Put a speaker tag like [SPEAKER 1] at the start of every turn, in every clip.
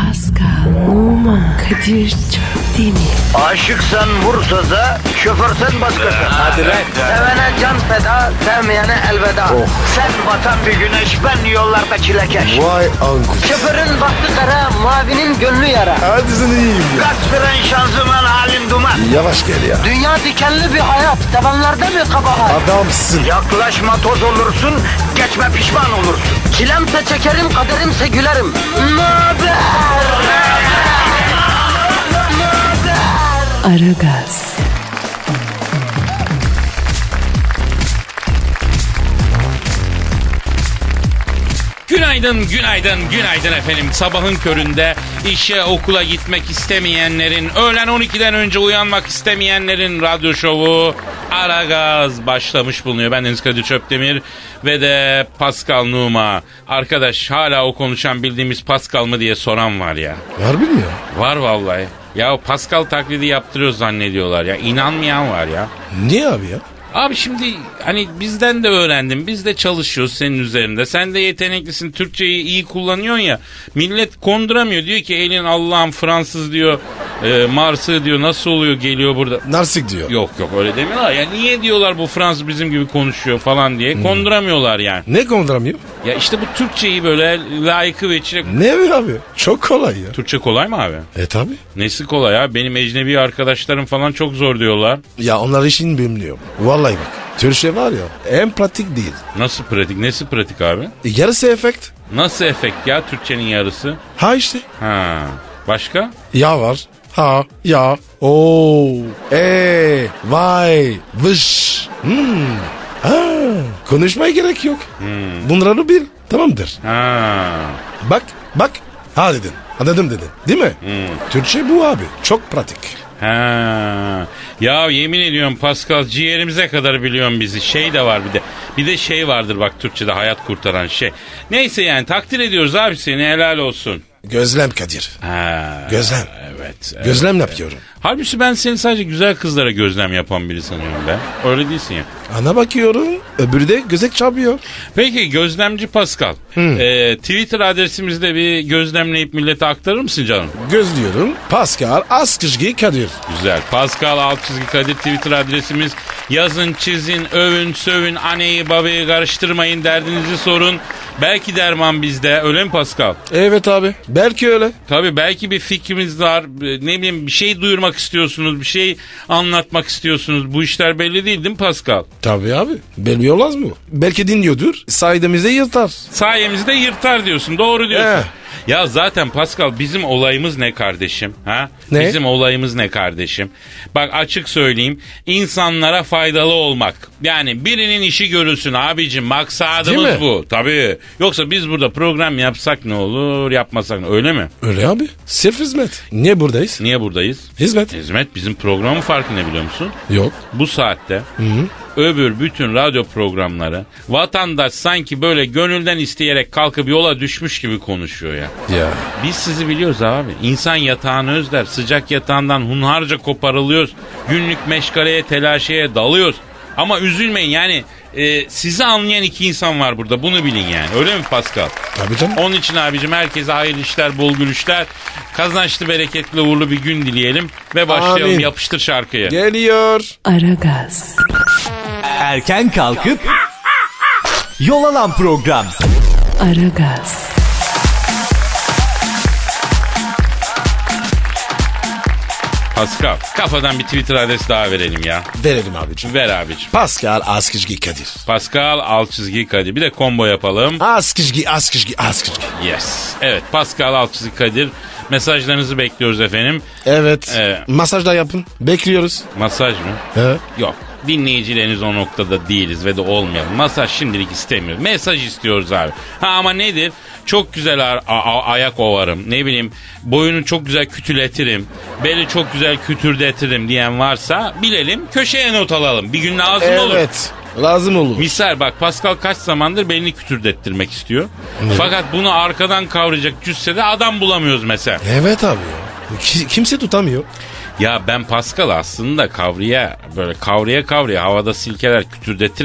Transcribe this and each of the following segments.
[SPEAKER 1] Pascal, Oman, Kadir çok değil mi?
[SPEAKER 2] Aşıksan vursa da, şoförsen başkasın.
[SPEAKER 3] Hadi lan.
[SPEAKER 2] Sevene can feda, sevmeyene elveda. Sen batan bir güneş, ben yollarda çilekeş.
[SPEAKER 3] Vay anku.
[SPEAKER 2] Şoförün baktı kara, mavinin gönlü yara.
[SPEAKER 3] Hadi sen iyiyim ya.
[SPEAKER 2] Kasperen şanzıman halin duman.
[SPEAKER 3] Yavaş gel ya.
[SPEAKER 2] Dünya dikenli bir hayat, sevenlerde mi kabahar?
[SPEAKER 3] Adamsın.
[SPEAKER 2] Yaklaşma toz olursun, geçme pişman olursun. Çilemse çekerim, kaderimse gülerim. Möber!
[SPEAKER 1] Aragaz.
[SPEAKER 4] Günaydın, günaydın, günaydın efendim. Sabahın köründe işe, okula gitmek istemeyenlerin, öğlen 12'den önce uyanmak istemeyenlerin radyo şovu Aragaz başlamış bulunuyor. Ben Deniz Kadir Çöptemir ve de Pascal Numa. Arkadaş, hala o konuşan bildiğimiz Pascal mı diye soran var ya.
[SPEAKER 3] Harbi mi ya?
[SPEAKER 4] Var vallahi. Ya Pascal taklidi yaptırıyoruz zannediyorlar ya. İnanmayan var ya.
[SPEAKER 3] Niye abi ya?
[SPEAKER 4] Abi şimdi hani bizden de öğrendim. Biz de çalışıyoruz senin üzerinde. Sen de yeteneklisin. Türkçeyi iyi kullanıyorsun ya. Millet konduramıyor. Diyor ki elin Allah'ım Fransız diyor. Mars'ı diyor. Nasıl oluyor geliyor burada.
[SPEAKER 3] Narsik diyor.
[SPEAKER 4] Yok öyle demiyorlar. Ya niye diyorlar bu Fransız bizim gibi konuşuyor falan diye. Konduramıyorlar yani.
[SPEAKER 3] Ne konduramıyor?
[SPEAKER 4] Ya işte bu Türkçeyi böyle layıkı ve içine...
[SPEAKER 3] Ne abi? Çok kolay ya.
[SPEAKER 4] Türkçe kolay mı abi?
[SPEAKER 3] Tabi.
[SPEAKER 4] Nesi kolay ya? Benim ecnebi arkadaşlarım falan çok zor diyorlar.
[SPEAKER 3] Ya onlar işini bilmiyor. Vallahi bak. Türkçe var ya en pratik değil.
[SPEAKER 4] Nasıl pratik? Nesi pratik abi?
[SPEAKER 3] Yarısı efekt.
[SPEAKER 4] Nasıl efekt ya Türkçenin yarısı?
[SPEAKER 3] Ha işte.
[SPEAKER 4] Ha. Başka?
[SPEAKER 3] Ya var. Ha, ya, o, vay, vış. Ha, konuşmaya gerek yok. Bunları bil. Tamamdır.
[SPEAKER 4] Ha.
[SPEAKER 3] Bak. Ha dedin. Anladım dedin. Değil mi? Türkçe bu abi. Çok pratik.
[SPEAKER 4] Ha. Ya yemin ediyorum Pascal ciğerimize kadar biliyorum bizi. Şey de var bir de. Bir de şey vardır bak Türkçe'de hayat kurtaran şey. Neyse yani takdir ediyoruz abi seni, helal olsun.
[SPEAKER 3] Gözlem Kadir.
[SPEAKER 4] Ha.
[SPEAKER 3] Gözlem.
[SPEAKER 4] Evet.
[SPEAKER 3] Gözlem yapıyorum.
[SPEAKER 4] Halbuki ben seni sadece güzel kızlara gözlem yapan biri sanıyorum ben. Öyle değilsin ya.
[SPEAKER 3] Ana bakıyorum. Öbürü de gözek çarpıyor.
[SPEAKER 4] Peki gözlemci Pascal. Twitter adresimizde bir gözlemleyip millete aktarır mısın canım?
[SPEAKER 3] Gözlüyorum. Pascal Askışgi Kadir.
[SPEAKER 4] Güzel. Pascal _ Kadir Twitter adresimiz. Yazın, çizin, övün, sövün, anneyi babayı karıştırmayın, derdinizi sorun. Belki derman bizde, öyle mi Pascal?
[SPEAKER 3] Evet abi. Belki öyle.
[SPEAKER 4] Tabii belki bir fikrimiz var. Ne bileyim bir şey duyurmak istiyorsunuz, bir şey anlatmak istiyorsunuz. Bu işler belli değil mi Pascal?
[SPEAKER 3] Tabii abi. Belli olmaz mı? Belki dinliyordur. Sayemizde yırtar.
[SPEAKER 4] Sayemizde yırtar diyorsun. Doğru diyorsun. Ya zaten Pascal bizim olayımız ne kardeşim? Ha?
[SPEAKER 3] Ne?
[SPEAKER 4] Bizim olayımız ne kardeşim? Bak açık söyleyeyim. İnsanlara faydalı olmak. Yani birinin işi görülsün abicim. Maksadımız bu. Tabii. Yoksa biz burada program yapsak ne olur, yapmasak ne, öyle mi?
[SPEAKER 3] Öyle abi. Sırf hizmet. Niye buradayız?
[SPEAKER 4] Niye buradayız?
[SPEAKER 3] Hizmet.
[SPEAKER 4] Hizmet bizim programın farkı ne biliyor musun?
[SPEAKER 3] Yok.
[SPEAKER 4] Bu saatte öbür bütün radyo programları vatandaş sanki böyle gönülden isteyerek kalkıp yola düşmüş gibi konuşuyor ya.
[SPEAKER 3] Ya.
[SPEAKER 4] Biz sizi biliyoruz abi. İnsan yatağını özler. Sıcak yatağından hunharca koparılıyoruz. Günlük meşgaleye, telaşeye dalıyoruz. Ama üzülmeyin yani sizi anlayan iki insan var burada. Bunu bilin yani. Öyle mi Pascal?
[SPEAKER 3] Tabii canım.
[SPEAKER 4] Onun için abicim herkese hayırlı işler, bol gülüşler. Kazançlı, bereketli, uğurlu bir gün dileyelim. Ve başlayalım.
[SPEAKER 3] Amin.
[SPEAKER 4] Yapıştır şarkıyı.
[SPEAKER 3] Geliyor.
[SPEAKER 1] Aragaz.
[SPEAKER 5] Erken kalkıp yol alan program.
[SPEAKER 1] Aragaz.
[SPEAKER 4] Pascal, kafadan bir Twitter adresi daha verelim ya.
[SPEAKER 3] Verelim abicim.
[SPEAKER 4] Ver abicim.
[SPEAKER 3] Pascal Askışgi Kadir.
[SPEAKER 4] Pascal _ Kadir. Bir de combo yapalım.
[SPEAKER 3] Askışgi.
[SPEAKER 4] Yes. Evet, Pascal _ Kadir. Mesajlarınızı bekliyoruz efendim.
[SPEAKER 3] Evet. Masaj da yapın. Bekliyoruz.
[SPEAKER 4] Masaj mı?
[SPEAKER 3] He.
[SPEAKER 4] Yok. Dinleyicileriniz o noktada değiliz ve de olmayalım. Masaj şimdilik istemiyoruz. Mesaj istiyoruz abi. Ha ama nedir? Çok güzel ayak ovarım. Ne bileyim boyunu çok güzel kütületirim. Beli çok güzel kütürdetirim diyen varsa bilelim, köşeye not alalım. Bir gün lazım olur.
[SPEAKER 3] Evet. Lazım olur.
[SPEAKER 4] Misal bak Pascal kaç zamandır belini kütürdettirmek istiyor. Fakat bunu arkadan kavrayacak cüssede adam bulamıyoruz mesela.
[SPEAKER 3] Evet abi ya. Kimse tutamıyor.
[SPEAKER 4] Ya ben Pascal aslında kavraya havada silkeler kütürdetirim.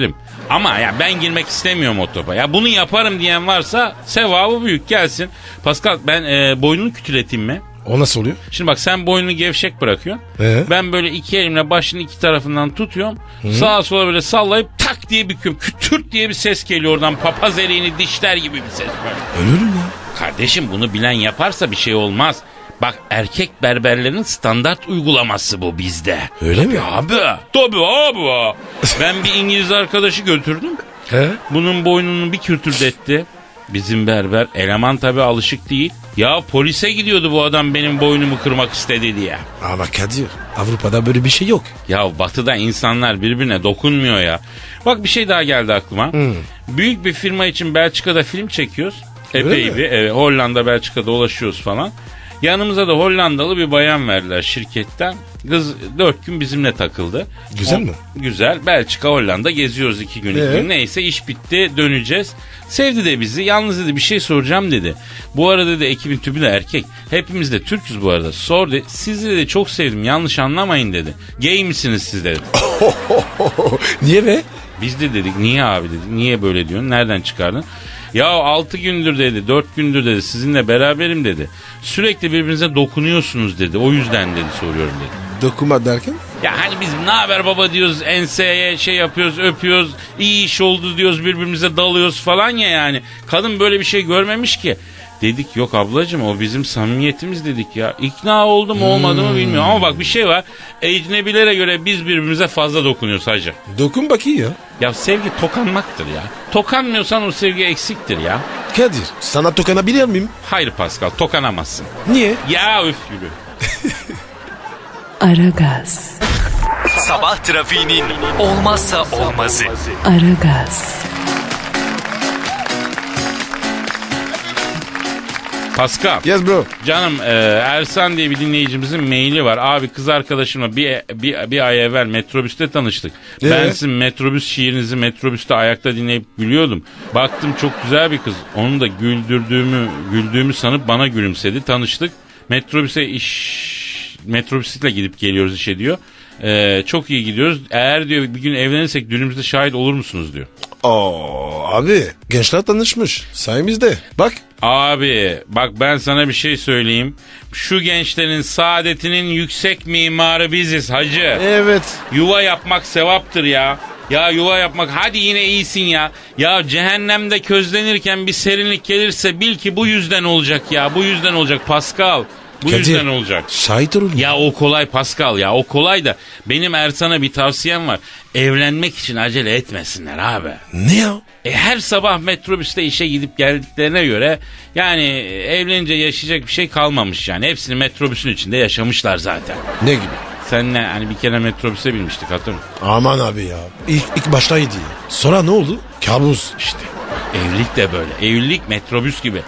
[SPEAKER 4] Ama ya ben girmek istemiyorum o topa. Ya bunu yaparım diyen varsa sevabı büyük, gelsin. Pascal ben boynunu kütületeyim mi?
[SPEAKER 3] O nasıl oluyor?
[SPEAKER 4] Şimdi bak sen boynunu gevşek bırakıyorsun. Ben böyle iki elimle başının iki tarafından tutuyorum. Sağa sola böyle sallayıp tak diye büküyorum. Kütürt diye bir ses geliyor oradan. Papaz eriğini dişler gibi bir ses böyle.
[SPEAKER 3] Ölürüm ya.
[SPEAKER 4] Kardeşim bunu bilen yaparsa bir şey olmaz. Bak erkek berberlerin standart uygulaması bu bizde.
[SPEAKER 3] Öyle mi?
[SPEAKER 4] Abi. Tabii abi. Ben bir İngiliz arkadaşı götürdüm.
[SPEAKER 3] He?
[SPEAKER 4] Bunun boynunu bir kürtürdetti. Bizim berber eleman tabii alışık değil. Ya polise gidiyordu bu adam benim boynumu kırmak istedi diye.
[SPEAKER 3] Ama Kadir, Avrupa'da böyle bir şey yok.
[SPEAKER 4] Ya batıda insanlar birbirine dokunmuyor ya. Bak bir şey daha geldi aklıma. Büyük bir firma için Belçika'da film çekiyoruz. Epey bir Hollanda Belçika'da dolaşıyoruz falan. Yanımıza da Hollandalı bir bayan verdiler şirketten. Kız 4 gün bizimle takıldı.
[SPEAKER 3] Güzel mi?
[SPEAKER 4] Güzel. Belçika, Hollanda geziyoruz 2 gün. Neyse iş bitti, döneceğiz. Sevdi de bizi. Yalnız dedi bir şey soracağım dedi. Bu arada dedi ekibin tümü de erkek. Hepimiz de Türk'üz bu arada. Sor dedi. Sizi de çok sevdim. Yanlış anlamayın dedi. Gay misiniz siz dedi.
[SPEAKER 3] Niye be?
[SPEAKER 4] Biz de dedik niye abi dedik. Niye böyle diyorsun? Nereden çıkardın? Ya 6 gündür dedi, 4 gündür dedi, sizinle beraberim dedi. Sürekli birbirinize dokunuyorsunuz dedi. O yüzden dedi soruyorum dedi.
[SPEAKER 3] Dokuma derken?
[SPEAKER 4] Ya hani biz ne haber baba diyoruz, enseye şey yapıyoruz, öpüyoruz, iyi iş oldu diyoruz, birbirimize dalıyoruz falan ya yani. Kadın böyle bir şey görmemiş ki. Dedik yok ablacığım o bizim samimiyetimiz dedik ya. İkna oldu mu olmadı mı bilmiyorum ama bak bir şey var. Ecnebilere göre biz birbirimize fazla dokunuyoruz hacı.
[SPEAKER 3] Dokun bakayım ya.
[SPEAKER 4] Ya sevgi tokanmaktır ya. Tokanmıyorsan o sevgi eksiktir ya.
[SPEAKER 3] Kadir, sana tokanabilir miyim?
[SPEAKER 4] Hayır Pascal tokanamazsın.
[SPEAKER 3] Niye?
[SPEAKER 4] Ya üf yürü.
[SPEAKER 1] Aragaz,
[SPEAKER 5] Sabah trafiğinin olmazsa olmazı.
[SPEAKER 1] Aragaz,
[SPEAKER 4] Pascal.
[SPEAKER 3] Yes bro.
[SPEAKER 4] Canım Ersan diye bir dinleyicimizin maili var. Abi kız arkadaşımla bir ay evvel metrobüste tanıştık. Ben sizin metrobüs şiirinizi metrobüste ayakta dinleyip gülüyordum. Baktım çok güzel bir kız. Onu da güldüğümü sanıp bana gülümsedi. Tanıştık. Metrobüsle gidip geliyoruz işe diyor. Çok iyi gidiyoruz. Eğer diyor bir gün evlenirsek düğünümüzde şahit olur musunuz diyor.
[SPEAKER 3] Oo abi gençler tanışmış sayemizde bak.
[SPEAKER 4] Abi bak ben sana bir şey söyleyeyim. Şu gençlerin saadetinin yüksek mimarı biziz hacı.
[SPEAKER 3] Evet.
[SPEAKER 4] Yuva yapmak sevaptır ya. Ya yuva yapmak hadi yine iyisin ya. Ya cehennemde közlenirken bir serinlik gelirse bil ki bu yüzden olacak ya. Bu yüzden olacak Pascal. Bu
[SPEAKER 3] Kadir,
[SPEAKER 4] yüzden olacak.
[SPEAKER 3] Şahit olun.
[SPEAKER 4] Ya o kolay Pascal ya o kolay da benim Ersan'a bir tavsiyem var. Evlenmek için acele etmesinler abi.
[SPEAKER 3] Ne ya?
[SPEAKER 4] Her sabah metrobüste işe gidip geldiklerine göre yani evlenince yaşayacak bir şey kalmamış yani. Hepsini metrobüsün içinde yaşamışlar zaten.
[SPEAKER 3] Ne gibi?
[SPEAKER 4] Seninle hani bir kere metrobüse binmiştik hatırlıyor musun?
[SPEAKER 3] Aman abi ya. İlk baştaydı ya. Sonra ne oldu? Kabus.
[SPEAKER 4] İşte evlilik de böyle. Evlilik metrobüs gibi.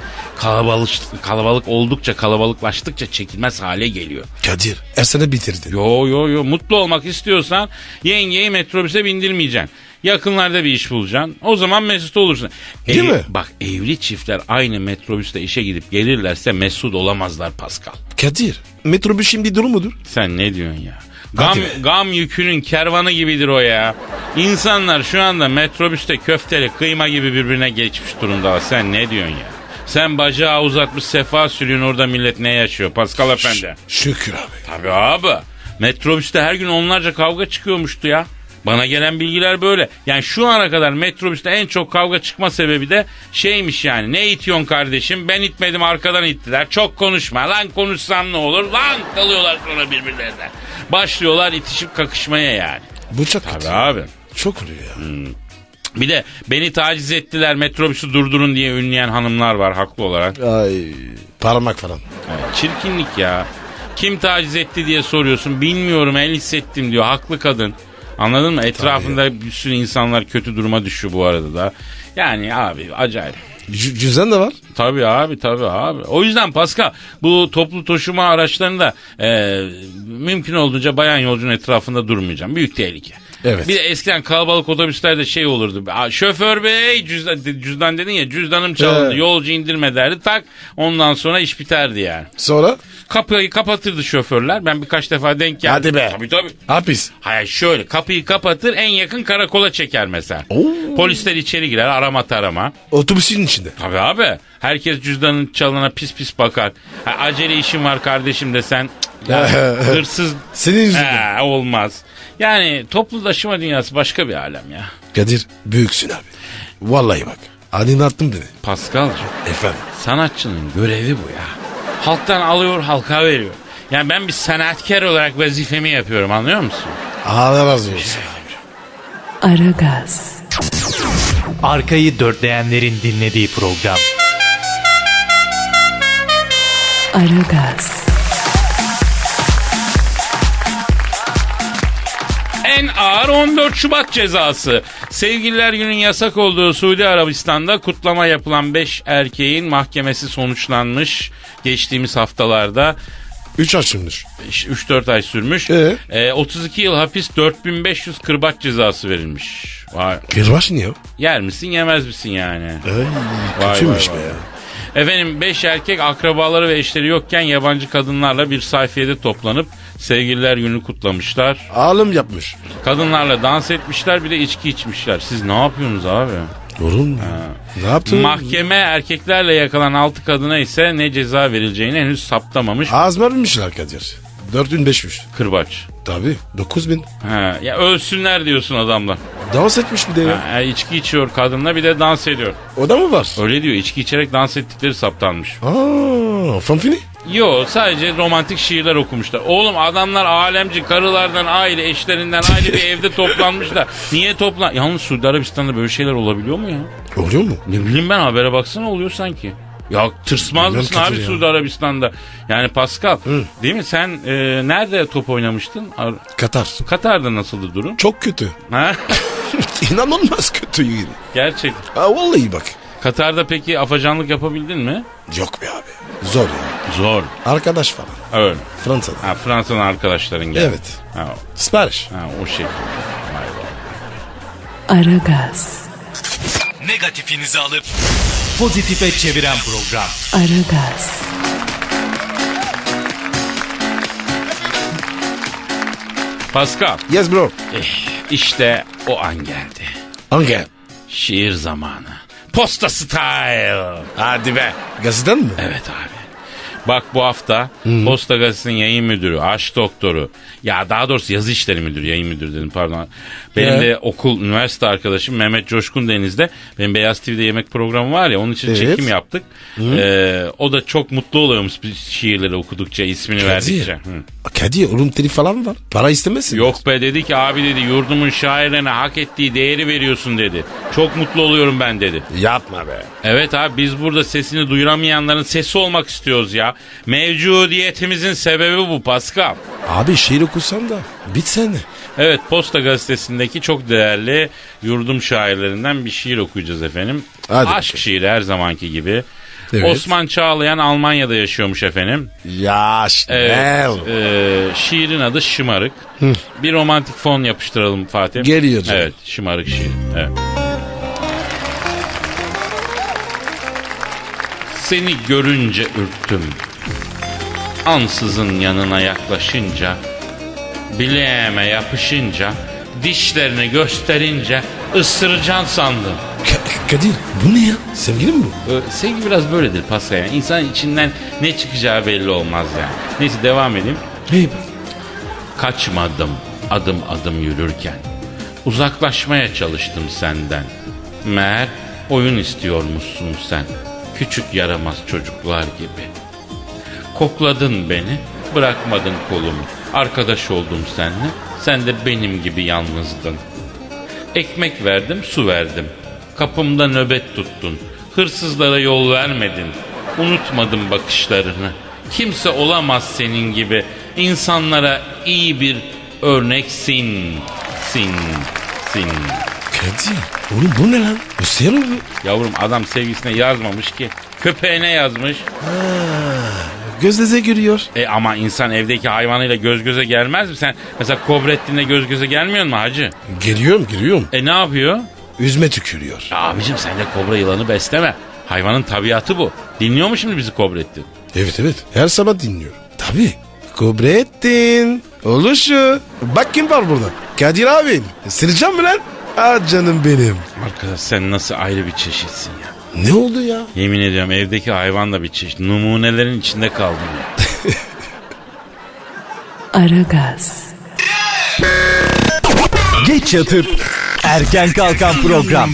[SPEAKER 4] Kalabalık oldukça kalabalıklaştıkça çekilmez hale geliyor.
[SPEAKER 3] Kadir Ersen'e bitirdin.
[SPEAKER 4] Yo mutlu olmak istiyorsan yengeyi metrobüse bindirmeyeceksin. Yakınlarda bir iş bulacaksın. O zaman mesut olursun.
[SPEAKER 3] Değil mi?
[SPEAKER 4] Bak evli çiftler aynı metrobüste işe gidip gelirlerse mesut olamazlar Pascal.
[SPEAKER 3] Kadir metrobüs şimdi durum mudur?
[SPEAKER 4] Sen ne diyorsun ya?
[SPEAKER 3] Hadi
[SPEAKER 4] Gam yükünün kervanı gibidir o ya. İnsanlar şu anda metrobüste köfteli kıyma gibi birbirine geçmiş durumda. Sen ne diyorsun ya? Sen bacağı uzatmış sefa sürüyorsun orada millet ne yaşıyor Pascal Efendi?
[SPEAKER 3] Şükür abi.
[SPEAKER 4] Tabii abi. Metrobüste her gün onlarca kavga çıkıyormuştu ya. Bana gelen bilgiler böyle. Yani şu ana kadar metrobüste en çok kavga çıkma sebebi de şeymiş yani. Ne itiyorsun kardeşim? Ben itmedim arkadan ittiler. Çok konuşma. Lan konuşsam ne olur? Lan kalıyorlar sonra birbirlerine. Başlıyorlar itişip kakışmaya yani.
[SPEAKER 3] Bu çok
[SPEAKER 4] Tabii
[SPEAKER 3] kötü.
[SPEAKER 4] abi.
[SPEAKER 3] Çok oluyor ya.
[SPEAKER 4] Bir de beni taciz ettiler metrobüsü durdurun diye ünleyen hanımlar var haklı olarak.
[SPEAKER 3] Ay parmak falan.
[SPEAKER 4] Evet, çirkinlik ya. Kim taciz etti diye soruyorsun. Bilmiyorum el hissettim diyor. Haklı kadın. Anladın mı? Etrafında bir sürü insanlar kötü duruma düşüyor bu arada da. Yani abi acayip.
[SPEAKER 3] Cüzdan da var.
[SPEAKER 4] Tabii abi. O yüzden Pascal bu toplu taşıma araçlarında mümkün olduğunca bayan yolcunun etrafında durmayacağım. Büyük tehlike.
[SPEAKER 3] Evet.
[SPEAKER 4] Bir de eskiden kalabalık otobüslerde şey olurdu. Şoför bey cüzdan dedin ya cüzdanım çalındı.
[SPEAKER 3] Evet.
[SPEAKER 4] Yolcu indirme derdi tak ondan sonra iş biterdi yani.
[SPEAKER 3] Sonra?
[SPEAKER 4] Kapıyı kapatırdı şoförler. Ben birkaç defa denk geldim.
[SPEAKER 3] Hadi be.
[SPEAKER 4] Tabii.
[SPEAKER 3] Hapis.
[SPEAKER 4] Hayır şöyle kapıyı kapatır en yakın karakola çeker mesela.
[SPEAKER 3] Oo.
[SPEAKER 4] Polisler içeri girer arama tarama.
[SPEAKER 3] Otobüsün içinde.
[SPEAKER 4] Tabii abi. Herkes cüzdanın çalana pis pis bakar. Ha, acele işim var kardeşim desen ya, hırsız
[SPEAKER 3] Senin yüzünden.
[SPEAKER 4] olmaz. Yani toplu taşıma dünyası başka bir alem ya.
[SPEAKER 3] Kadir büyüksün abi. Vallahi bak. Aydınlattın beni.
[SPEAKER 4] Paskal'cığım
[SPEAKER 3] Efendim.
[SPEAKER 4] sanatçının görevi bu ya. Halktan alıyor halka veriyor. Yani ben bir sanatkar olarak vazifemi yapıyorum anlıyor musun?
[SPEAKER 3] Allah razı olsun.
[SPEAKER 1] Aragaz,
[SPEAKER 5] Arkayı dörtleyenlerin dinlediği program.
[SPEAKER 1] Aragaz,
[SPEAKER 4] En ağır 14 Şubat cezası. Sevgililer Günü'nün yasak olduğu Suudi Arabistan'da kutlama yapılan 5 erkeğin mahkemesi sonuçlanmış. Geçtiğimiz haftalarda
[SPEAKER 3] 3 açılmış.
[SPEAKER 4] 3-4 ay sürmüş. 32 yıl hapis 4500 kırbaç cezası verilmiş. Vay.
[SPEAKER 3] Kırbaç ne o?
[SPEAKER 4] Yer misin yemez misin yani?
[SPEAKER 3] Ay, kötüymüş be ya.
[SPEAKER 4] Efendim 5 erkek akrabaları ve eşleri yokken yabancı kadınlarla bir sayfiyede toplanıp sevgililer günü kutlamışlar.
[SPEAKER 3] Ağlım yapmış.
[SPEAKER 4] Kadınlarla dans etmişler bir de içki içmişler. Siz ne yapıyorsunuz abi?
[SPEAKER 3] Olur mu? Ne yaptın?
[SPEAKER 4] Mahkeme erkeklerle yakalanan 6 kadına ise ne ceza verileceğini henüz saptamamış.
[SPEAKER 3] Az vermişler Kadir. 4500.
[SPEAKER 4] Kırbaç.
[SPEAKER 3] Tabii 9000.
[SPEAKER 4] Ha, ya ölsünler diyorsun adamlar.
[SPEAKER 3] Dans etmiş bir de ya.
[SPEAKER 4] Ha, içki içiyor kadınla bir de dans ediyor.
[SPEAKER 3] O da mı var?
[SPEAKER 4] Öyle diyor içki içerek dans ettikleri saptanmış.
[SPEAKER 3] Aaa fanfini.
[SPEAKER 4] Yo sadece romantik şiirler okumuşlar. Oğlum adamlar alemci karılardan ayrı eşlerinden ayrı bir evde toplanmışlar. Niye toplan? Yalnız Suudi Arabistan'da böyle şeyler olabiliyor mu ya?
[SPEAKER 3] Oluyor mu?
[SPEAKER 4] Ne bileyim ben habere baksana oluyor sanki. Ya tırsmaz
[SPEAKER 3] Bilmem
[SPEAKER 4] mısın abi
[SPEAKER 3] Kadir ya.
[SPEAKER 4] Suudi Arabistan'da? Yani Pascal değil mi sen nerede top oynamıştın?
[SPEAKER 3] Katar.
[SPEAKER 4] Katar'da nasıldı durum?
[SPEAKER 3] Çok kötü.
[SPEAKER 4] Ha?
[SPEAKER 3] İnanılmaz kötü.
[SPEAKER 4] Gerçek.
[SPEAKER 3] Ha vallahi bak.
[SPEAKER 4] Katar'da peki afacanlık yapabildin mi?
[SPEAKER 3] Yok be abi. Zor ya.
[SPEAKER 4] Zor.
[SPEAKER 3] Arkadaş falan.
[SPEAKER 4] Öyle.
[SPEAKER 3] Fransa'da.
[SPEAKER 4] Ha, Fransa'nın arkadaşların geldi.
[SPEAKER 3] Evet.
[SPEAKER 4] Ha,
[SPEAKER 3] Sipariş.
[SPEAKER 4] o şekilde. Vay vay.
[SPEAKER 1] Aragaz,
[SPEAKER 5] Negatifinizi alıp pozitife çeviren program.
[SPEAKER 1] Aragaz,
[SPEAKER 4] Pascal.
[SPEAKER 3] Yes bro.
[SPEAKER 4] İşte o an geldi.
[SPEAKER 3] Hangi?
[SPEAKER 4] Şiir zamanı. Posta style.
[SPEAKER 3] Hadi be. Gazeteden mi?
[SPEAKER 4] Evet abi. Bak bu hafta Posta Gazetesi'nin yayın müdürü, aşk doktoru, ya daha doğrusu yazı işleri müdürü, yayın müdürü dedim pardon. Benim de okul, üniversite arkadaşım Mehmet Coşkun Deniz'de, benim Beyaz TV'de yemek programı var ya onun için çekim yaptık. O da çok mutlu oluyormuş şiirleri okudukça, ismini verdikçe.
[SPEAKER 3] Kadir oğlum telif falan mı var? Para istemezsin.
[SPEAKER 4] Yok be dedi ki abi dedi yurdumun şairlerine hak ettiği değeri veriyorsun dedi. Çok mutlu oluyorum ben dedi.
[SPEAKER 3] Yapma be.
[SPEAKER 4] Evet abi biz burada sesini duyuramayanların sesi olmak istiyoruz ya. Mevcudiyetimizin sebebi bu Pascal.
[SPEAKER 3] Abi şiir okusan da bitsene.
[SPEAKER 4] Evet Posta Gazetesi'ndeki çok değerli yurdum şairlerinden bir şiir okuyacağız efendim.
[SPEAKER 3] Hadi
[SPEAKER 4] Aşk
[SPEAKER 3] bakalım.
[SPEAKER 4] şiiri her zamanki gibi.
[SPEAKER 3] Evet.
[SPEAKER 4] Osman Çağlayan Almanya'da yaşıyormuş efendim.
[SPEAKER 3] Ya
[SPEAKER 4] Evet, şiirin adı Şımarık. Bir romantik fon yapıştıralım Fatih.
[SPEAKER 3] Geliyor canım.
[SPEAKER 4] Evet Şımarık şiir. Evet. Seni görünce ürktüm. Ansızın yanına yaklaşınca, bileğime yapışınca, dişlerini gösterince ısıracaksın sandım.
[SPEAKER 3] Kadir bu ne ya? Sevgili mi bu?
[SPEAKER 4] Sevgi biraz böyledir Pascal. Yani İnsanın içinden ne çıkacağı belli olmaz yani. Neyse devam edeyim.
[SPEAKER 3] Hey.
[SPEAKER 4] Kaçmadım adım adım yürürken. Uzaklaşmaya çalıştım senden. Meğer oyun istiyormuşsun sen. Küçük yaramaz çocuklar gibi. Kokladın beni, bırakmadın kolumu. Arkadaş oldum seninle, sen de benim gibi yalnızdın. Ekmek verdim, su verdim. Kapımda nöbet tuttun. Hırsızlara yol vermedin. Unutmadım bakışlarını. Kimse olamaz senin gibi. İnsanlara iyi bir örneksin. Sin.
[SPEAKER 3] Kadir oğlum bu ne lan? Bu serum mu?
[SPEAKER 4] Yavrum adam sevgisine yazmamış ki. Köpeğine yazmış.
[SPEAKER 3] Göz göze görüyor.
[SPEAKER 4] Ama insan evdeki hayvanıyla göz göze gelmez mi? Sen mesela Kobrettin'le göz göze gelmiyor mu hacı?
[SPEAKER 3] Geliyorum.
[SPEAKER 4] Ne yapıyor?
[SPEAKER 3] Üzme tükürüyor.
[SPEAKER 4] Ya abicim sen de kobra yılanı besleme. Hayvanın tabiatı bu. Dinliyor mu şimdi bizi Kobrettin?
[SPEAKER 3] Evet. Her sabah dinliyorum. Abi Kubrettin. Oluşu. Bak kim var burada. Kadir abin. Sıracağım mı lan? Ah canım benim.
[SPEAKER 4] Arkadaş sen nasıl ayrı bir çeşitsin ya.
[SPEAKER 3] Ne oldu ya?
[SPEAKER 4] Yemin ediyorum evdeki hayvan da bir çeşit. Numunelerin içinde kaldım ya.
[SPEAKER 1] Aragaz,
[SPEAKER 5] Geç yatıp erken kalkan program.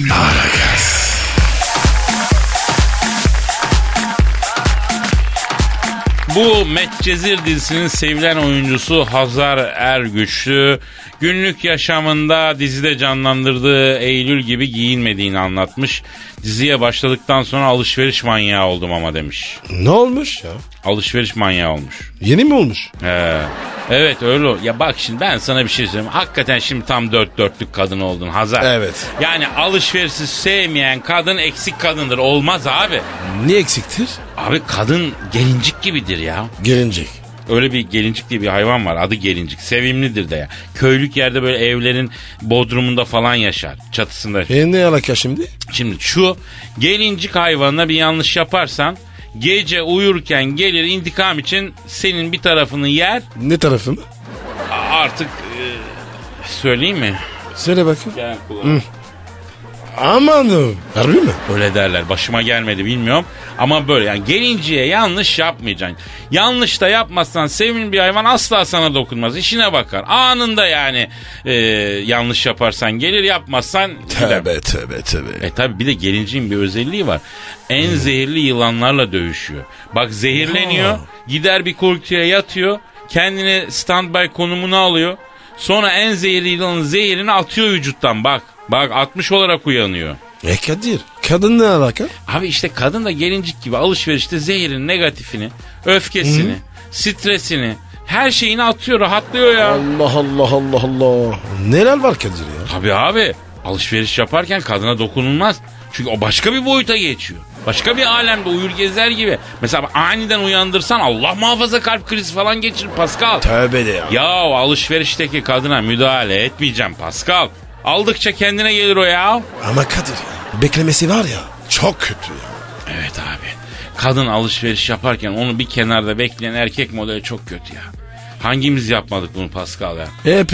[SPEAKER 4] Bu Medcezir dizisinin sevilen oyuncusu Hazar Ergüçlü günlük yaşamında dizide canlandırdığı Eylül gibi giyinmediğini anlatmış. Diziye başladıktan sonra alışveriş manyağı oldum ama demiş.
[SPEAKER 3] Ne olmuş ya?
[SPEAKER 4] Alışveriş manyağı olmuş.
[SPEAKER 3] Yeni mi olmuş?
[SPEAKER 4] Evet öyle. Ya bak şimdi ben sana bir şey söyleyeyim. Hakikaten şimdi tam dört dörtlük kadın oldun Hazar.
[SPEAKER 3] Evet.
[SPEAKER 4] Yani alışverişi sevmeyen kadın eksik kadındır. Olmaz abi.
[SPEAKER 3] Ne eksiktir?
[SPEAKER 4] Abi kadın gelincik gibidir ya.
[SPEAKER 3] Gelincik.
[SPEAKER 4] Öyle bir gelincik diye bir hayvan var. Adı gelincik. Sevimlidir de ya. Köylük yerde böyle evlerin bodrumunda falan yaşar. Çatısında.
[SPEAKER 3] Ne alaka şimdi?
[SPEAKER 4] Şimdi şu gelincik hayvanına bir yanlış yaparsan gece uyurken gelir intikam için senin bir tarafını yer.
[SPEAKER 3] Ne tarafı mı?
[SPEAKER 4] Artık söyleyeyim mi?
[SPEAKER 3] Söyle bakayım.
[SPEAKER 4] Gel kulağım.
[SPEAKER 3] Amanım. Harbi mi?
[SPEAKER 4] Öyle derler. Başıma gelmedi bilmiyorum. Ama böyle yani gelinciye yanlış yapmayacaksın. Yanlış da yapmazsan sevimli bir hayvan asla sana dokunmaz. İşine bakar. Anında yani yanlış yaparsan gelir, yapmazsan gider.
[SPEAKER 3] Tövbe.
[SPEAKER 4] Tabi bir de gelinciğin bir özelliği var. En zehirli yılanlarla dövüşüyor. Bak zehirleniyor. Gider bir kuytuya yatıyor. Kendini standby konumuna alıyor. Sonra en zehirli yılanın zehirini atıyor vücuttan. Bak 60 olarak uyanıyor.
[SPEAKER 3] Kadir, kadın ne alaka?
[SPEAKER 4] Abi işte kadın da gelincik gibi alışverişte zehirin negatifini, öfkesini, stresini, her şeyini atıyor, rahatlıyor ya.
[SPEAKER 3] Allah. Neler var Kadir ya?
[SPEAKER 4] Tabii abi alışveriş yaparken kadına dokunulmaz. Çünkü o başka bir boyuta geçiyor. Başka bir alemde uyur gezer gibi. Mesela aniden uyandırsan Allah muhafaza kalp krizi falan geçirir Pascal.
[SPEAKER 3] Tövbe de ya.
[SPEAKER 4] Ya alışverişteki kadına müdahale etmeyeceğim Pascal. Aldıkça kendine gelir o ya.
[SPEAKER 3] Ama Kadir ya, beklemesi var ya çok kötü ya.
[SPEAKER 4] Evet abi. Kadın alışveriş yaparken onu bir kenarda bekleyen erkek modeli çok kötü ya. Hangimiz yapmadık bunu Pascal ya?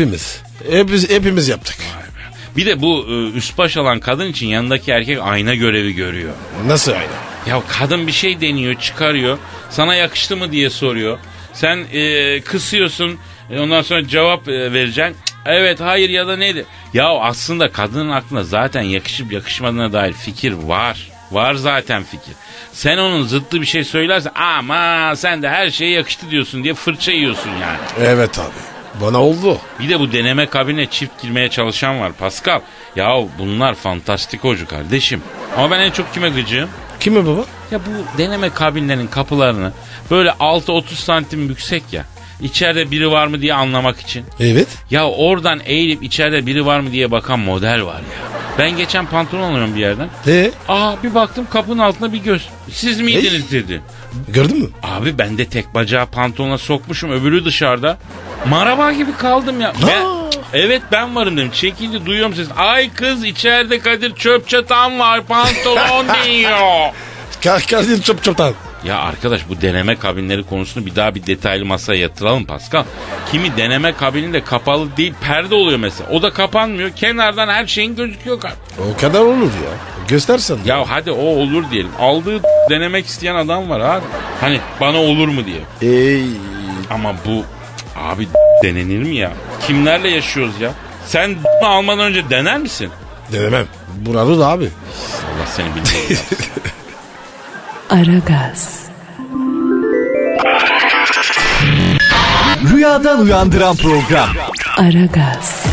[SPEAKER 3] Hepimiz yaptık.
[SPEAKER 4] Bir de bu üst baş alan kadın için yanındaki erkek ayna görevi görüyor.
[SPEAKER 3] Nasıl ayna?
[SPEAKER 4] Ya kadın bir şey deniyor, çıkarıyor. Sana yakıştı mı diye soruyor. Sen kısıyorsun. Ondan sonra cevap vereceksin. Evet, hayır ya da nedir? Ya aslında kadının aklında zaten yakışıp yakışmadığına dair fikir var. Var zaten fikir. Sen onun zıttı bir şey söylersen ama sen de her şeye yakıştı diyorsun diye fırça yiyorsun yani.
[SPEAKER 3] Evet abi. Bana oldu.
[SPEAKER 4] Bir de bu deneme kabinine çift girmeye çalışan var Pascal. Ya bunlar fantastikocu kardeşim. Ama ben en çok kime gıcığım?
[SPEAKER 3] Kime baba?
[SPEAKER 4] Ya bu deneme kabinlerinin kapılarını böyle 6-30 santim yüksek ya. İçeride biri var mı diye anlamak için.
[SPEAKER 3] Evet.
[SPEAKER 4] Ya oradan eğilip içeride biri var mı diye bakan model var ya. Ben geçen pantolon alıyorum bir yerden. Bir baktım kapının altında bir göz. Siz miydiniz dedi.
[SPEAKER 3] Gördün mü?
[SPEAKER 4] Abi ben de tek bacağı pantolona sokmuşum, öbürü dışarıda. Maraba gibi kaldım ya. Evet ben varım dedim. Çekildi, duyuyorum sesini. Ay kız içeride Kadir çöp çatan var, pantolon diyor.
[SPEAKER 3] Kadir çöpten.
[SPEAKER 4] Ya arkadaş bu deneme kabinleri konusunu bir daha bir detaylı masaya yatıralım Pascal. Kimi deneme kabininde kapalı değil perde oluyor mesela. O da kapanmıyor. Kenardan her şeyin gözüküyor.
[SPEAKER 3] O kadar olur ya. Göstersen.
[SPEAKER 4] Ya hadi o olur diyelim. Aldığı denemek isteyen adam var abi. Hani bana olur mu diye. Ama bu abi denenir mi ya? Kimlerle yaşıyoruz ya? Sen almadan önce dener misin?
[SPEAKER 3] Denemem. Buralı da abi.
[SPEAKER 4] Allah seni bildiği.
[SPEAKER 1] Aragaz,
[SPEAKER 5] Rüyadan uyandıran program.
[SPEAKER 1] Aragaz,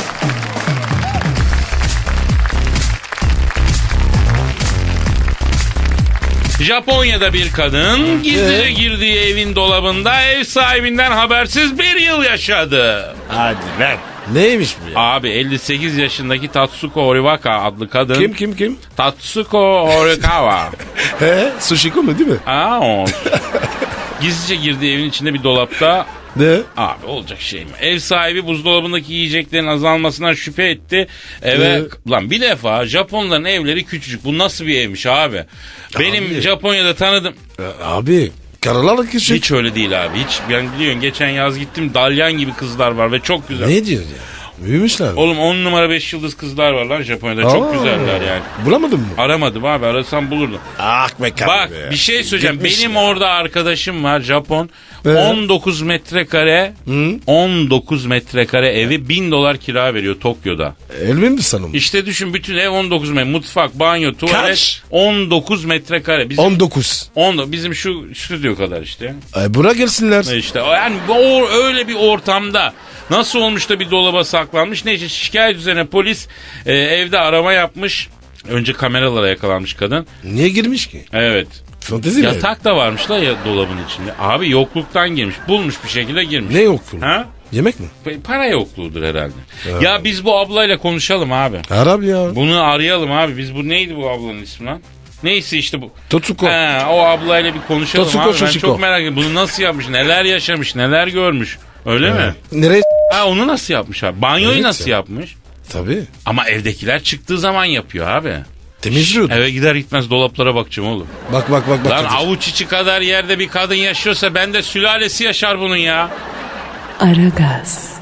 [SPEAKER 4] Japonya'da bir kadın gizlice girdiği evin dolabında ev sahibinden habersiz bir yıl yaşadı.
[SPEAKER 3] Hadi lan. Neymiş bu ya?
[SPEAKER 4] Abi 58 yaşındaki Tatsuko Horikawa adlı kadın.
[SPEAKER 3] Kim?
[SPEAKER 4] Tatsuko Horikawa.
[SPEAKER 3] Sushiko mu değil mi?
[SPEAKER 4] O. Gizlice girdiği evin içinde bir dolapta.
[SPEAKER 3] Ne?
[SPEAKER 4] Abi olacak şey mi? Ev sahibi buzdolabındaki yiyeceklerin azalmasından şüphe etti. Lan bir defa Japonların evleri küçücük. Bu nasıl bir evmiş abi? Benim Japonya'da tanıdım.
[SPEAKER 3] Abi Karılar küçük.
[SPEAKER 4] Hiç öyle değil abi. Hiç. Ben biliyorsun geçen yaz gittim. Dalyan gibi kızlar var ve çok güzel.
[SPEAKER 3] Ne diyor ya? Büyümüşler.
[SPEAKER 4] Oğlum 10 numara 5 yıldız kızlar var lan Japonya'da. Çok güzeller yani.
[SPEAKER 3] Bulamadın mı?
[SPEAKER 4] Aramadım abi. Arasam bulurdum.
[SPEAKER 3] Ah be karı
[SPEAKER 4] Bak
[SPEAKER 3] be.
[SPEAKER 4] bir şey söyleyeceğim.
[SPEAKER 3] Gitmiş
[SPEAKER 4] Benim
[SPEAKER 3] ya.
[SPEAKER 4] orada arkadaşım var Japon. 19 metrekare 19 metrekare evi $1000 kira veriyor Tokyo'da.
[SPEAKER 3] Elmin mi sanım?
[SPEAKER 4] İşte düşün bütün ev 19 metrekare. Mutfak, banyo, tuvalet
[SPEAKER 3] Kaç?
[SPEAKER 4] 19 metrekare. Bizim
[SPEAKER 3] 19.
[SPEAKER 4] Bizim şu stüdyo kadar işte.
[SPEAKER 3] Bura gelsinler.
[SPEAKER 4] İşte yani öyle bir ortamda nasıl olmuş da bir dolaba saklanmış. Neyse şikayet üzerine polis evde arama yapmış. Önce kameralara yakalanmış kadın.
[SPEAKER 3] Niye girmiş ki?
[SPEAKER 4] Evet.
[SPEAKER 3] Fantezi mi?
[SPEAKER 4] Yatak da varmış la ya dolabın içinde. Abi yokluktan girmiş. Bulmuş bir şekilde girmiş.
[SPEAKER 3] Ne yokluğu?
[SPEAKER 4] Ha?
[SPEAKER 3] Yemek mi?
[SPEAKER 4] Para yokluğudur herhalde. Ya biz bu ablayla konuşalım abi.
[SPEAKER 3] Arap ya.
[SPEAKER 4] Bunu arayalım abi. Biz bu neydi bu ablanın ismi lan? Neyse işte bu.
[SPEAKER 3] Totsuko.
[SPEAKER 4] O ablayla bir konuşalım
[SPEAKER 3] Totsuko,
[SPEAKER 4] abi. Ben
[SPEAKER 3] Shoshiko.
[SPEAKER 4] çok merak ediyorum. Bunu nasıl yapmış? Neler yaşamış? Neler görmüş? Öyle mi?
[SPEAKER 3] Nereye?
[SPEAKER 4] Onu nasıl yapmış abi? Banyoyu
[SPEAKER 3] Evet
[SPEAKER 4] nasıl
[SPEAKER 3] ya.
[SPEAKER 4] yapmış?
[SPEAKER 3] Tabii.
[SPEAKER 4] Ama evdekiler çıktığı zaman yapıyor abi.
[SPEAKER 3] Temizliyordu.
[SPEAKER 4] Eve gider gitmez dolaplara bakacağım oğlum.
[SPEAKER 3] Bak.
[SPEAKER 4] Lan
[SPEAKER 3] Kadir.
[SPEAKER 4] avuç içi kadar yerde bir kadın yaşıyorsa bende sülalesi yaşar bunun ya.
[SPEAKER 1] Aragaz.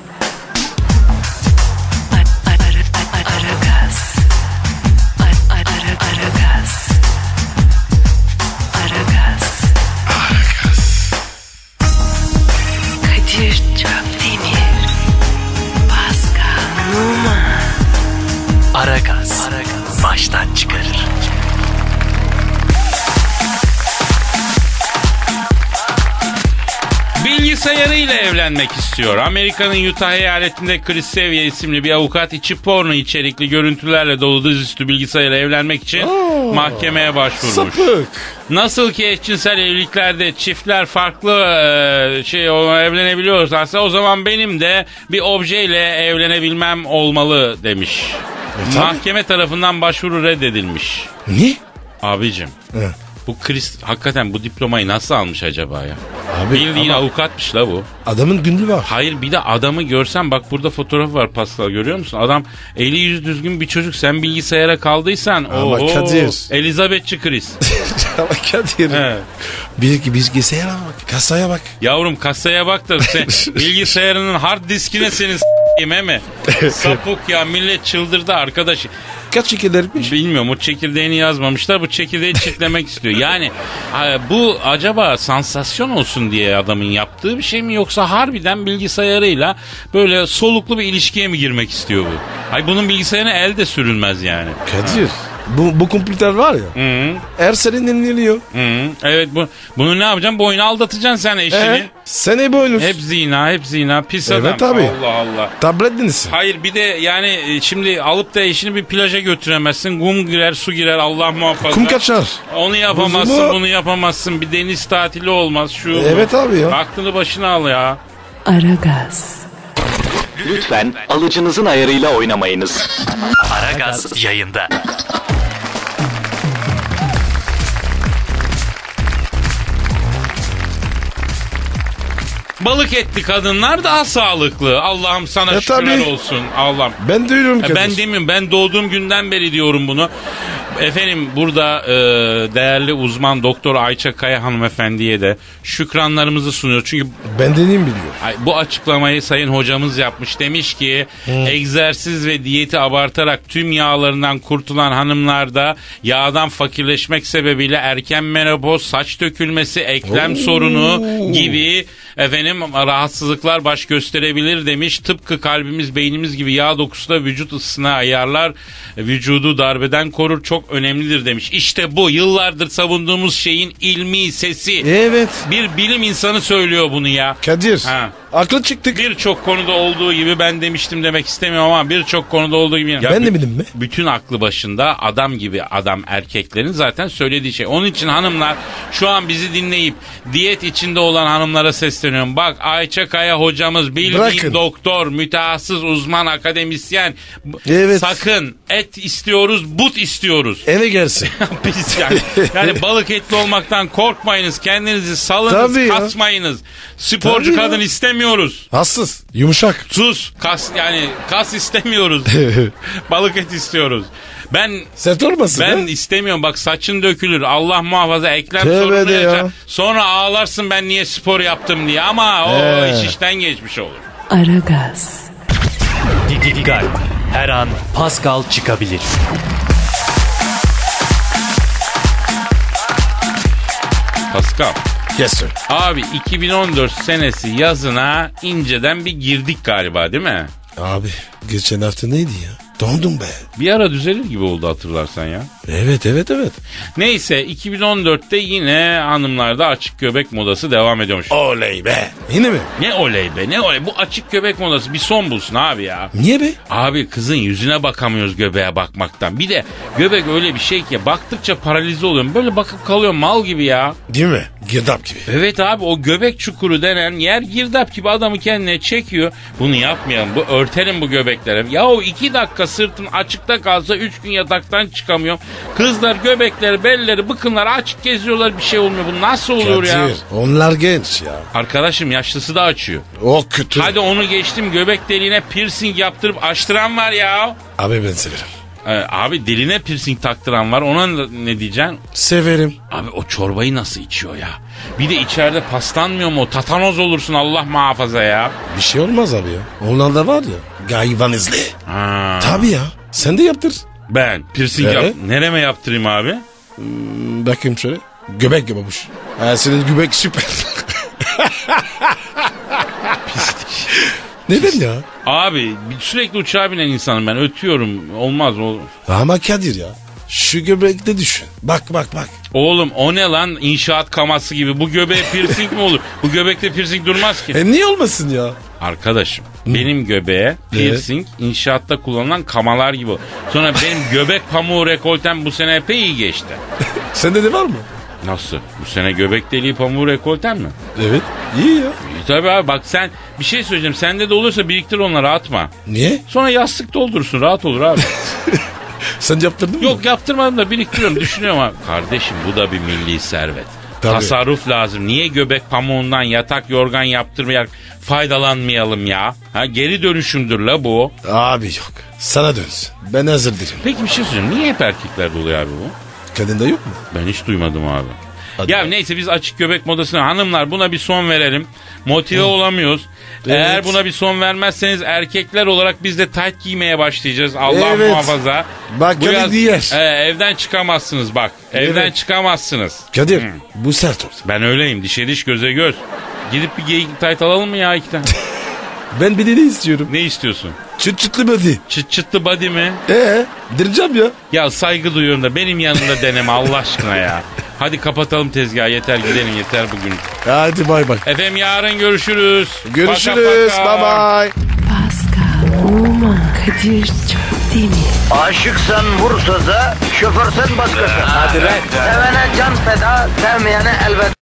[SPEAKER 1] Aragaz. Aragaz. Kadir Çöpdemir. Pascal Numa.
[SPEAKER 5] Aragaz. Baştan çıkarır.
[SPEAKER 4] Bilgisayarıyla evlenmek istiyor. Amerika'nın Utah eyaletinde Chris Sevier isimli bir avukat içi porno içerikli görüntülerle dolu dizüstü bilgisayarla evlenmek için mahkemeye başvurmuş.
[SPEAKER 3] Sapık.
[SPEAKER 4] Nasıl ki eşcinsel evliliklerde çiftler farklı evlenebiliyorlarsa o zaman benim de bir objeyle evlenebilmem olmalı demiş.
[SPEAKER 3] tabii.
[SPEAKER 4] Mahkeme tarafından başvuru reddedilmiş.
[SPEAKER 3] Ne?
[SPEAKER 4] Abicim.
[SPEAKER 3] He.
[SPEAKER 4] Bu Chris hakikaten bu diplomayı nasıl almış acaba ya?
[SPEAKER 3] Abi,
[SPEAKER 4] Bildiğin
[SPEAKER 3] ama
[SPEAKER 4] avukatmış la bu.
[SPEAKER 3] adamın günlüğü var.
[SPEAKER 4] Hayır bir de adamı görsen bak burada fotoğrafı var Pascal görüyor musun? Adam eli yüzü düzgün bir çocuk sen bilgisayara kaldıysan
[SPEAKER 3] Ama Kadir.
[SPEAKER 4] Elizabethçi Chris.
[SPEAKER 3] Ama Kadir.
[SPEAKER 4] He.
[SPEAKER 3] Bilgisayara bak. Kasaya bak.
[SPEAKER 4] Yavrum kasaya bak da sen bilgisayarının hard diskine senin s**eyim mi? Sapık ya millet çıldırdı arkadaş.
[SPEAKER 3] Kaç çekilirmiş?
[SPEAKER 4] Bilmiyorum o çekirdeğini yazmamışlar bu çekirdeği çitlemek istiyor. Yani bu acaba sansasyon olsun diye adamın yaptığı bir şey mi yoksa harbiden bilgisayarıyla böyle soluklu bir ilişkiye mi girmek istiyor bu? Ay bunun bilgisayarına el de sürülmez yani.
[SPEAKER 3] Kadir. Bu kompüter var ya.
[SPEAKER 4] Hı.
[SPEAKER 3] Her sene dinleniyor.
[SPEAKER 4] Hı. Evet bunu ne yapacaksın? Bu oyunu aldatacaksın sen eşini.
[SPEAKER 3] Sen hep oynuyorsun.
[SPEAKER 4] Hep zina pis
[SPEAKER 3] Evet
[SPEAKER 4] adam.
[SPEAKER 3] abi.
[SPEAKER 4] Allah Allah.
[SPEAKER 3] Tablet dinlesin.
[SPEAKER 4] Hayır bir de yani şimdi alıp da eşini bir plaja götüremezsin. Kum girer su girer Allah muhafaza.
[SPEAKER 3] Kum kaçar.
[SPEAKER 4] Onu yapamazsın
[SPEAKER 3] Buzumu-
[SPEAKER 4] bunu yapamazsın. Bir deniz tatili olmaz şu.
[SPEAKER 3] Evet abi ya.
[SPEAKER 4] Aklını başına al ya.
[SPEAKER 1] Aragaz.
[SPEAKER 5] Lütfen alıcınızın ayarıyla oynamayınız. Aragaz yayında.
[SPEAKER 4] Balık etli kadınlar daha sağlıklı. Allah'ım sana şükürler
[SPEAKER 3] tabii.
[SPEAKER 4] olsun. Allah'ım.
[SPEAKER 3] Ben de öyle Kadir.
[SPEAKER 4] Ben demiyorum ben doğduğum günden beri diyorum bunu. Efendim burada değerli uzman doktor Ayça Kaya hanımefendiye de şükranlarımızı sunuyor. Çünkü
[SPEAKER 3] Ben deneyim biliyor.
[SPEAKER 4] bu açıklamayı sayın hocamız yapmış. Demiş ki egzersiz ve diyeti abartarak tüm yağlarından kurtulan hanımlarda yağdan fakirleşmek sebebiyle erken menopoz, saç dökülmesi, eklem sorunu gibi rahatsızlıklar baş gösterebilir demiş. Tıpkı kalbimiz, beynimiz gibi yağ dokusu da vücut ısısına ayarlar, vücudu darbeden korur, çok önemlidir demiş. İşte bu yıllardır savunduğumuz şeyin ilmi sesi.
[SPEAKER 3] Evet.
[SPEAKER 4] Bir bilim insanı söylüyor bunu ya.
[SPEAKER 3] Kadir.
[SPEAKER 4] Ha.
[SPEAKER 3] Aklı çıktık.
[SPEAKER 4] Birçok konuda olduğu gibi ben demiştim demek istemiyorum ama birçok konuda olduğu gibi. Ya
[SPEAKER 3] Ben de bildim mi?
[SPEAKER 4] Bütün aklı başında adam gibi adam erkeklerin zaten söylediği şey. Onun için hanımlar şu an bizi dinleyip diyet içinde olan hanımlara sesleniyorum. Bak Ayça Kaya hocamız bildiğin
[SPEAKER 3] Bırakın.
[SPEAKER 4] doktor, mütehassıs, uzman, akademisyen.
[SPEAKER 3] Evet.
[SPEAKER 4] Sakın et istiyoruz, but istiyoruz.
[SPEAKER 3] Eve gelsin.
[SPEAKER 4] Biz yani balık etli olmaktan korkmayınız. Kendinizi salınız,
[SPEAKER 3] Tabii ya.
[SPEAKER 4] kasmayınız. Sporcu
[SPEAKER 3] Tabii ya.
[SPEAKER 4] kadın istemiyoruz istemiyoruz.
[SPEAKER 3] Hassız. Yumuşak.
[SPEAKER 4] Sus. Kas istemiyoruz. Balık et istiyoruz.
[SPEAKER 3] Sert olmasın
[SPEAKER 4] Ben
[SPEAKER 3] ha?
[SPEAKER 4] istemiyorum. Bak saçın dökülür. Allah muhafaza eklem
[SPEAKER 3] Tövbe
[SPEAKER 4] sorunu
[SPEAKER 3] de ya.
[SPEAKER 4] yaşar. Sonra ağlarsın ben niye spor yaptım diye. Ama o iş işten geçmiş olur.
[SPEAKER 1] Aragaz,
[SPEAKER 5] Dikkat. Her an Pascal çıkabilir.
[SPEAKER 4] Pascal.
[SPEAKER 3] Yes sir.
[SPEAKER 4] Abi 2014 senesi yazına inceden bir girdik galiba değil mi?
[SPEAKER 3] Abi geçen hafta neydi ya? Dondum be.
[SPEAKER 4] Bir ara düzelir gibi oldu hatırlarsan ya.
[SPEAKER 3] Evet.
[SPEAKER 4] Neyse 2014'te yine hanımlarda açık göbek modası devam ediyormuş.
[SPEAKER 3] Oley be. Yine mi?
[SPEAKER 4] Ne oley be ne oley. Bu açık göbek modası bir son bulsun abi ya.
[SPEAKER 3] Niye be?
[SPEAKER 4] Abi kızın yüzüne bakamıyoruz göbeğe bakmaktan. Bir de göbek öyle bir şey ki baktıkça paralize oluyorum. Böyle bakıp kalıyorum mal gibi ya.
[SPEAKER 3] Değil mi? Girdap gibi.
[SPEAKER 4] Evet abi o göbek çukuru denen yer girdap gibi adamı kendine çekiyor. Bunu yapmayalım. Örtelim bu göbekleri. Yahu 2 dakika sırtın açıkta kalsa 3 gün yataktan çıkamıyorum. Kızlar göbekleri, belleri, bıkınları açık geziyorlar bir şey olmuyor. Bu nasıl oluyor ya?
[SPEAKER 3] Kadir, onlar genç ya.
[SPEAKER 4] Arkadaşım yaşlısı da açıyor.
[SPEAKER 3] O kötü.
[SPEAKER 4] Hadi onu geçtim göbek deliğine piercing yaptırıp açtıran var ya.
[SPEAKER 3] Abi ben severim.
[SPEAKER 4] Abi diline piercing taktıran var ona ne diyeceksin?
[SPEAKER 3] Severim.
[SPEAKER 4] Abi o çorbayı nasıl içiyor ya? Bir de içeride paslanmıyor mu? Tatanoz olursun Allah muhafaza ya.
[SPEAKER 3] Bir şey olmaz abi ya. Onlar da var ya. Gayvan izli.
[SPEAKER 4] Ha.
[SPEAKER 3] Tabii ya. Sen de yaptır.
[SPEAKER 4] Ben piercing nereme yaptırayım abi?
[SPEAKER 3] Bakayım şöyle. Göbek babuş. Senin göbek süper. Neden ya?
[SPEAKER 4] Abi sürekli uçağa binen insanım ben ötüyorum olmaz o.
[SPEAKER 3] Ama Kadir ya. Şu göbekte düşün. Bak.
[SPEAKER 4] Oğlum o ne lan inşaat kaması gibi bu göbeğe piercing mi olur? Bu göbekte piercing durmaz ki.
[SPEAKER 3] Niye olmasın ya?
[SPEAKER 4] Arkadaşım benim göbeğe piercing inşaatta kullanılan kamalar gibi. Sonra benim göbek pamuğu rekoltem bu sene epey iyi geçti.
[SPEAKER 3] Sende de var mı?
[SPEAKER 4] Nasıl? Bu sene göbek deliği pamuğu rekoltem mi?
[SPEAKER 3] Evet. İyi ya.
[SPEAKER 4] İyi tabii abi bak sen bir şey söyleyeceğim. Sende de olursa biriktir onları atma.
[SPEAKER 3] Niye?
[SPEAKER 4] Sonra yastık doldurursun rahat olur abi.
[SPEAKER 3] Sen yaptırdın mı?
[SPEAKER 4] Yok yaptırmadım da biriktiriyorum düşünüyorum abi. Kardeşim bu da bir milli servet.
[SPEAKER 3] Tabii.
[SPEAKER 4] Tasarruf lazım. Niye göbek pamuğundan yatak yorgan yaptırmayarak faydalanmayalım ya? Ha geri dönüşümdür la bu.
[SPEAKER 3] Abi yok. Sana dönsün. Ben hazır değilim.
[SPEAKER 4] Peki bir şey söyleyeyim. Niye hep erkeklerde oluyor abi bu?
[SPEAKER 3] Kadında yok mu?
[SPEAKER 4] Ben hiç duymadım abi.
[SPEAKER 3] Hadi
[SPEAKER 4] Ya
[SPEAKER 3] be.
[SPEAKER 4] neyse biz açık göbek modasına hanımlar buna bir son verelim. Motive olamıyoruz.
[SPEAKER 3] Evet.
[SPEAKER 4] Eğer buna bir son vermezseniz erkekler olarak biz de tayt giymeye başlayacağız. Allah
[SPEAKER 3] Evet.
[SPEAKER 4] muhafaza.
[SPEAKER 3] Bak
[SPEAKER 4] Bu
[SPEAKER 3] Kadir
[SPEAKER 4] yaz-
[SPEAKER 3] diyer.
[SPEAKER 4] evden çıkamazsınız bak. Evden
[SPEAKER 3] Evet.
[SPEAKER 4] çıkamazsınız.
[SPEAKER 3] Kadir bu sert oldu.
[SPEAKER 4] Ben öyleyim. Dişe diş göze göz. Gidip bir geyik tayt alalım mı ya 2 tane?
[SPEAKER 3] Ben bir de ne istiyorum?
[SPEAKER 4] Ne istiyorsun?
[SPEAKER 3] Çıt çıtlı body.
[SPEAKER 4] Çıt çıtlı body mi?
[SPEAKER 3] Direceğim ya.
[SPEAKER 4] Ya saygı duyuyorum da benim yanımda deneme Allah aşkına ya. Hadi kapatalım tezgahı yeter gidelim yeter bugün.
[SPEAKER 3] Hadi bay bay.
[SPEAKER 4] Efendim yarın görüşürüz.
[SPEAKER 3] Görüşürüz.
[SPEAKER 4] Paka paka.
[SPEAKER 3] Bye bye.
[SPEAKER 1] Pascal, Oman, Kadir çok değil mi?
[SPEAKER 2] Aşıksan vursa da şoförsen başkasın. Hadi
[SPEAKER 3] lan.
[SPEAKER 2] Sevene can feda, sevmeyene elveda.